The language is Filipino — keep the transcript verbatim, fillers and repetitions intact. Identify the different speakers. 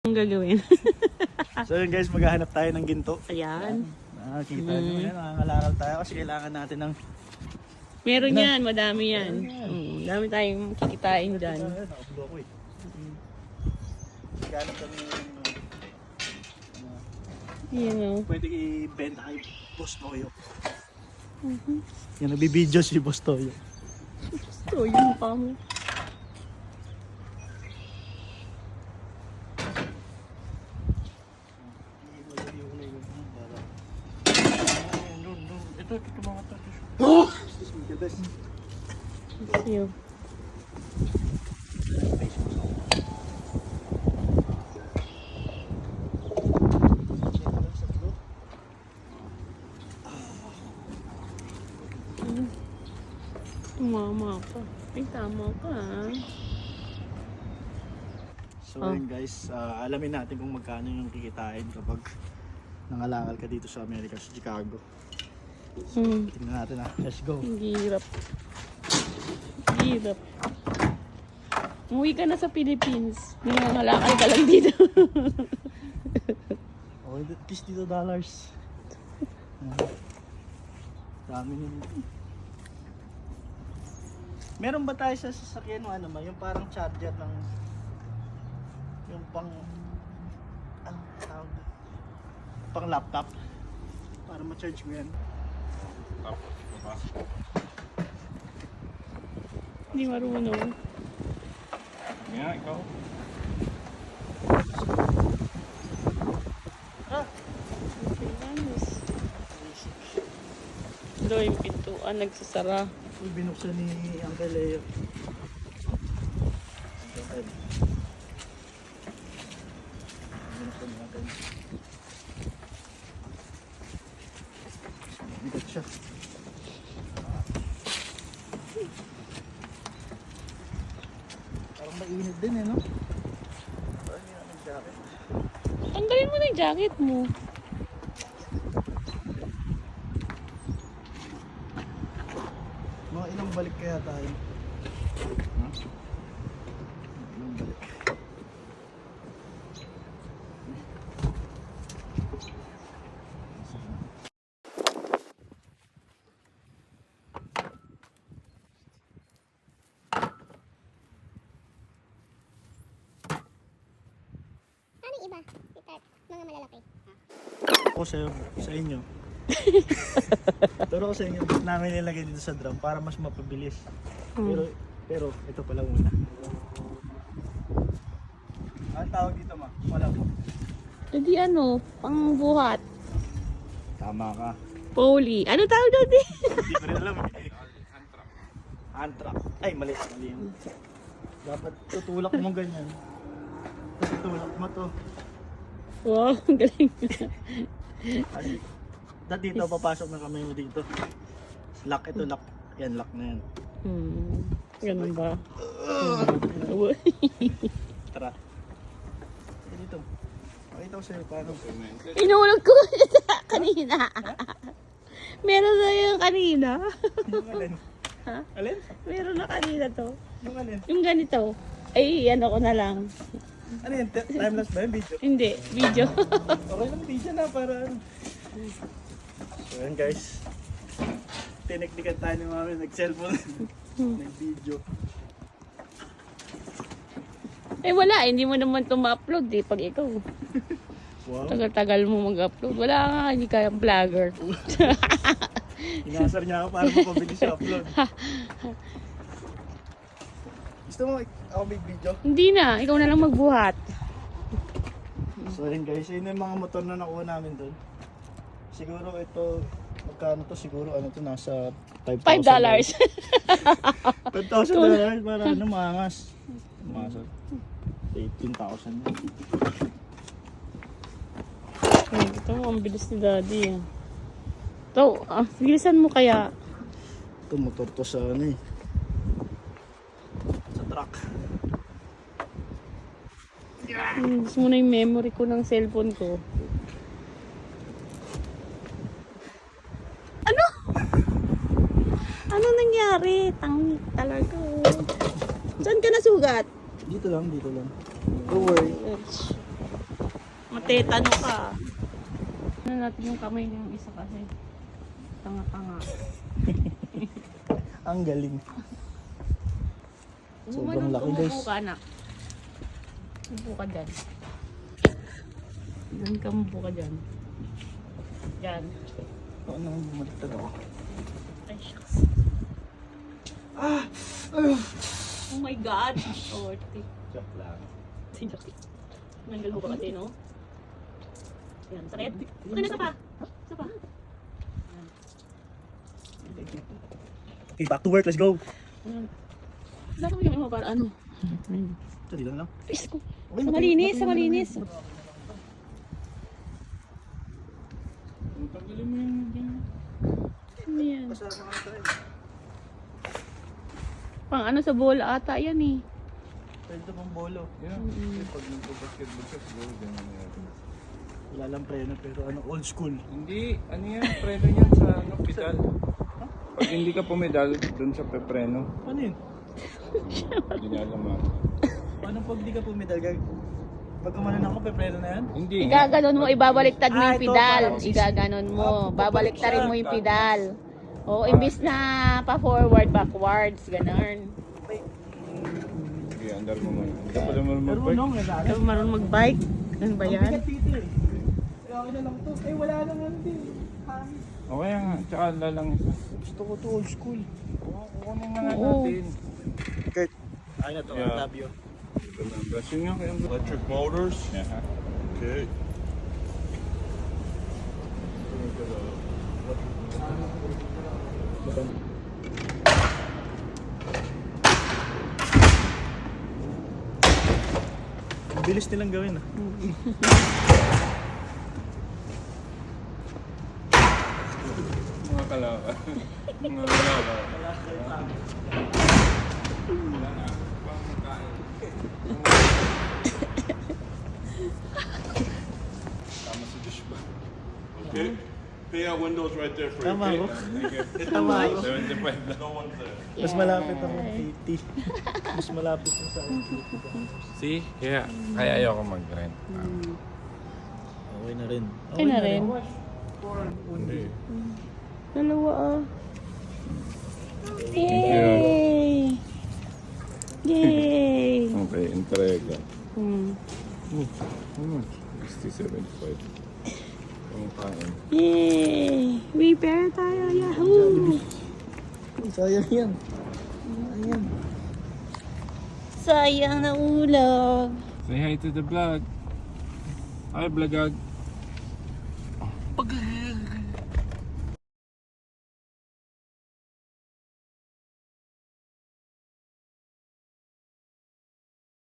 Speaker 1: Ang gagawin.
Speaker 2: So yun guys, maghahanap tayo ng ginto.
Speaker 1: Ayan.
Speaker 2: Nakakita
Speaker 1: Mm.
Speaker 2: nyo yan, nangangalakal tayo kasi kailangan natin ng...
Speaker 1: Meron
Speaker 2: Ano?
Speaker 1: yan, madami yan.
Speaker 2: Meron yan.
Speaker 1: Mm, dami tayong kikitain dyan.
Speaker 2: Ayun, nakapulo ko eh. Maghanap kami ng... ano,
Speaker 1: Yan o.
Speaker 2: pwede i-benta kay Boss Toyo.
Speaker 1: Mhm.
Speaker 2: Yan, nagbibideo si Boss Toyo.
Speaker 1: Gusto yung mukha mo.
Speaker 2: Ito, ito mga to. Oh!
Speaker 1: Iyo. Tumama ka. Ay, tama ka ah.
Speaker 2: So
Speaker 1: Oh.
Speaker 2: yun guys, ah, alamin natin kung magkano yung kikitain kapag nangalakal ka dito sa Amerika, sa Chicago.
Speaker 1: Hmm.
Speaker 2: Tingnan natin ah, let's go.
Speaker 1: Ang hirap. Ang hirap. Umuwi ka na sa Philippines. Nangangalakal ka lang dito.
Speaker 2: Oh, at least dito dollars. Ah, dami nyo. Meron ba tayo sa sasakyan ng ano ba, yung parang charger ng yung pang ano tawag doon? Pang laptop para ma-charge mo yan.
Speaker 1: Hindi marunong.
Speaker 3: Yeah, ikaw.
Speaker 2: Ah,
Speaker 1: Ito yung pintuan, nagsasara.
Speaker 2: yung binuksan ni Uncle Leo. Uncle. Binuksan ni Uncle. Bigat siya. Parang mainit din eh, no? Parang hindi namin jacket.
Speaker 1: Tanggalin mo na yung jacket mo.
Speaker 2: Mga ilang balik kaya tayo?
Speaker 3: Huh?
Speaker 2: Ilang balik?
Speaker 4: Ano yung iba? Itat, mga malalaki.
Speaker 2: Ako sa, sa inyo. Turo ko sa inyo, ba't namin nilagay dito sa drum para mas mapabilis.
Speaker 1: Hmm.
Speaker 2: Pero, pero ito pala muna. Ang tawag dito ma? Wala mo.
Speaker 1: Hindi ano, pangbuhat.
Speaker 2: Tama ka.
Speaker 1: Poly. Ano tawag doon eh?
Speaker 2: Hindi ko rin alam eh. Antrac. Ay, mali. Mali yun. Dapat tutulak mo ganyan. Tapos tutulak mo to.
Speaker 1: Wow, ang galing.
Speaker 2: Ay, dati dito, papasok na kami mo dito. Lock ito, lock. Yan, lock na yan.
Speaker 1: Hmm. Ganun ba?
Speaker 2: Tara. Eh, dito. Pakita ko sa'yo paano.
Speaker 1: Inulog ko kanina. Meron na yung kanina.
Speaker 2: Yung alin?
Speaker 1: Ha?
Speaker 2: Alin?
Speaker 1: Meron na kanina to.
Speaker 2: Yung alin?
Speaker 1: Yung ganito. Ay, ano ko na lang.
Speaker 2: Ano yun? T- Timelapse ba yung video?
Speaker 1: Hindi, video.
Speaker 2: Okay lang, video na para ano. So yan guys. Tiniknikan tayo ni mami, nag-cellphone. Nag-video.
Speaker 1: Eh wala, hindi mo naman ito ma-upload eh pag ikaw.
Speaker 2: Wow.
Speaker 1: Tagal-tagal mo mag-upload. Wala nga, hindi ka vlogger.
Speaker 2: Inasar niya ako para mapabilis sa upload. Gusto mo ako may video?
Speaker 1: Hindi na, ikaw na lang magbuhat.
Speaker 2: So yun guys, yun yung mga motor na nakuha namin doon. Siguro ito, magkano to? Siguro ano to, nasa five thousand.
Speaker 1: five dollars.
Speaker 2: five thousand dollars para ano, maangas. Maangas. eighteen thousand.
Speaker 1: Ito mo, ang bilis ni daddy. ah. Ito, ah, bilisan mo kaya.
Speaker 2: Ito motor to sa ano eh. Sa truck.
Speaker 1: Hmm, gusto mo na yung memory ko ng cellphone ko. Ano? Ano nangyari? Tangi talaga. oh. Saan ka nasugat?
Speaker 2: Dito lang, dito lang. Don't worry.
Speaker 1: Ouch. Matetano ka. Ano natin yung kamay niya yung isa kasi. Tanga-tanga.
Speaker 2: Ang galing. Sobrang
Speaker 1: Umanong,
Speaker 2: laki,
Speaker 1: umupo
Speaker 2: guys.
Speaker 1: ka, anak. Umupo ka dyan. Diyan ka, umupo ka dyan. Dyan.
Speaker 2: Ako nang bumaliktad ako.
Speaker 1: Ay, shucks. Oh my God! Orti.
Speaker 2: Joke lang.
Speaker 1: Sinjaki. Nanggal mo ba kasi, no? Yan, sakit. Ano na, isa pa? Isa pa. Yan.
Speaker 2: Okay, back to work. Let's go.
Speaker 1: Yan. Dapat mo yung ano para ano?
Speaker 2: Dali lang lang.
Speaker 1: Face ko.
Speaker 2: Okay,
Speaker 1: Sa malinis, sa malinis.
Speaker 3: Tanggalin mo yung yan.
Speaker 1: Ano yan?
Speaker 2: Pasama ka tayo.
Speaker 1: Pang ano sa bola ata yan eh.
Speaker 2: Pwede ito pang bolo.
Speaker 3: Yeah. Kasi pag nagpo-basketball ka, siguro ganyan na yan.
Speaker 2: Wala lang preno pero ano, old school.
Speaker 3: Hindi, ano yan, preno yan sa ano, pedal. Pag hindi ka pumedal, dun sa pepreno.
Speaker 2: Ano yun?
Speaker 3: Hindi niya alam ah.
Speaker 2: Paano pag di ka pumidal? Gag... Pag kumanan ako, pepreno na yan?
Speaker 3: Hindi nga.
Speaker 1: Igaganon mo, ibabaliktad mo
Speaker 2: Ah,
Speaker 1: yung
Speaker 2: ito,
Speaker 1: pedal.
Speaker 2: parang sis-
Speaker 1: Igaganon mo.
Speaker 2: Ah,
Speaker 1: Babaliktarin mo yung pedal. O,
Speaker 3: Ah.
Speaker 1: imbis na pa-forward, backwards, ganun.
Speaker 3: Sige, andar mo muna. Hindi ka pala marunong
Speaker 2: Pero
Speaker 3: mag-bike.
Speaker 2: nung nag
Speaker 1: Ikaw marunong mag-bike? Ano ba
Speaker 2: Ang
Speaker 1: yan?
Speaker 2: bigat dito eh. Kaya okay na lang to. Eh wala naman din. Hangin.
Speaker 3: O kaya nga, tsaka lalang isa.
Speaker 2: Gusto ko to old school.
Speaker 3: Oo, kukunin na nga
Speaker 1: Oo.
Speaker 3: natin.
Speaker 2: Kurt. Ay na to.
Speaker 3: Yeah.
Speaker 2: Love you.
Speaker 3: Ito na, bless yun nga kayong
Speaker 5: Electric motors.
Speaker 3: Yeah, ha?
Speaker 5: Okay.
Speaker 2: Ang bilis nilang gawin ah.
Speaker 3: Mga kalaka. Mga kalaka.
Speaker 5: Tama sa dish ba? Okay. Pay out windows right there for
Speaker 2: Tama
Speaker 5: you.
Speaker 2: ako.
Speaker 3: Thank you.
Speaker 2: Tama ako.
Speaker 3: seventy-five lang.
Speaker 5: No one's there.
Speaker 2: Mas malapit ako eighty. Mas malapit yung sa akin.
Speaker 3: See? Kaya, kaya ayoko mag-rent.
Speaker 2: Okay na rin.
Speaker 1: Okay na rin.
Speaker 3: Hindi.
Speaker 1: Dalawa ah. Yay! Yay!
Speaker 3: Okay, entrega.
Speaker 1: Hmm.
Speaker 3: Oh, how much? sixty seventy-five. Ang kain.
Speaker 1: Yay! Repair tayo, yahoo!
Speaker 2: Sayang yan. Ayan.
Speaker 1: Sayang na ulam.
Speaker 3: Say hi to the vlog. Hi, vlogag.
Speaker 2: Pag